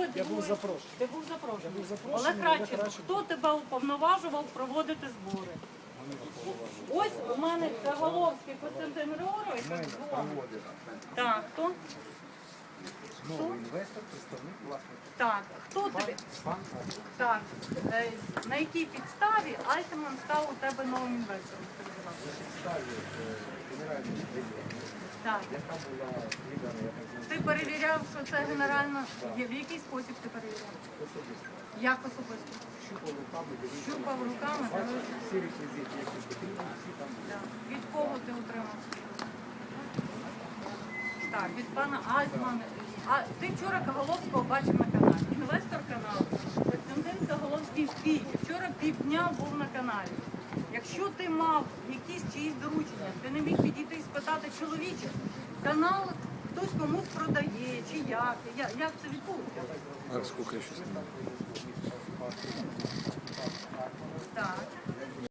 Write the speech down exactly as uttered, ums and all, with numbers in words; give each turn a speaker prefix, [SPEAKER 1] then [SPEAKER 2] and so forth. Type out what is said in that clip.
[SPEAKER 1] ви
[SPEAKER 2] Я був запрошений.
[SPEAKER 1] Ти був запрошений.
[SPEAKER 2] Я був запрошений,
[SPEAKER 1] Олег
[SPEAKER 2] Олег
[SPEAKER 1] Радченко,
[SPEAKER 2] Радченко.
[SPEAKER 1] хто тебе уповноважував проводити збори? Ось у мене Заголовський Костянтин Григорович. Так, хто?
[SPEAKER 3] Новий інвестор, представник власника.
[SPEAKER 1] Так, хто тобі?
[SPEAKER 3] Пан
[SPEAKER 1] Так. Е, на якій підставі Альтман став у тебе новим інвестором? Скажи, будь ласка.
[SPEAKER 3] підставі генеральної директора,
[SPEAKER 1] Так.
[SPEAKER 3] яка була віддана, я так знаю,
[SPEAKER 1] Ти перевіряв, що це генеральна... В який спосіб ти перевіряв?
[SPEAKER 3] особисто.
[SPEAKER 1] Як особисто?
[SPEAKER 3] Щупав руками, дивився.
[SPEAKER 1] Щупав руками,
[SPEAKER 3] Бачив
[SPEAKER 1] дивився.
[SPEAKER 3] всі реквізити, які потрібні, всі там були.
[SPEAKER 1] Так. Від кого ти отримав? Так, від пана Альтмана. А ти вчора Каголовського бачив на каналі. Інвестор каналу. Костянтин Каголовський Київ. Вчора півдня був на каналі. Якщо ти мав якісь чиїсь доручення, ти не міг підійти і спитати чоловіче, канал хтось комусь продає, чи як, Я- як це відбулося?
[SPEAKER 4] А сколько еще снимать?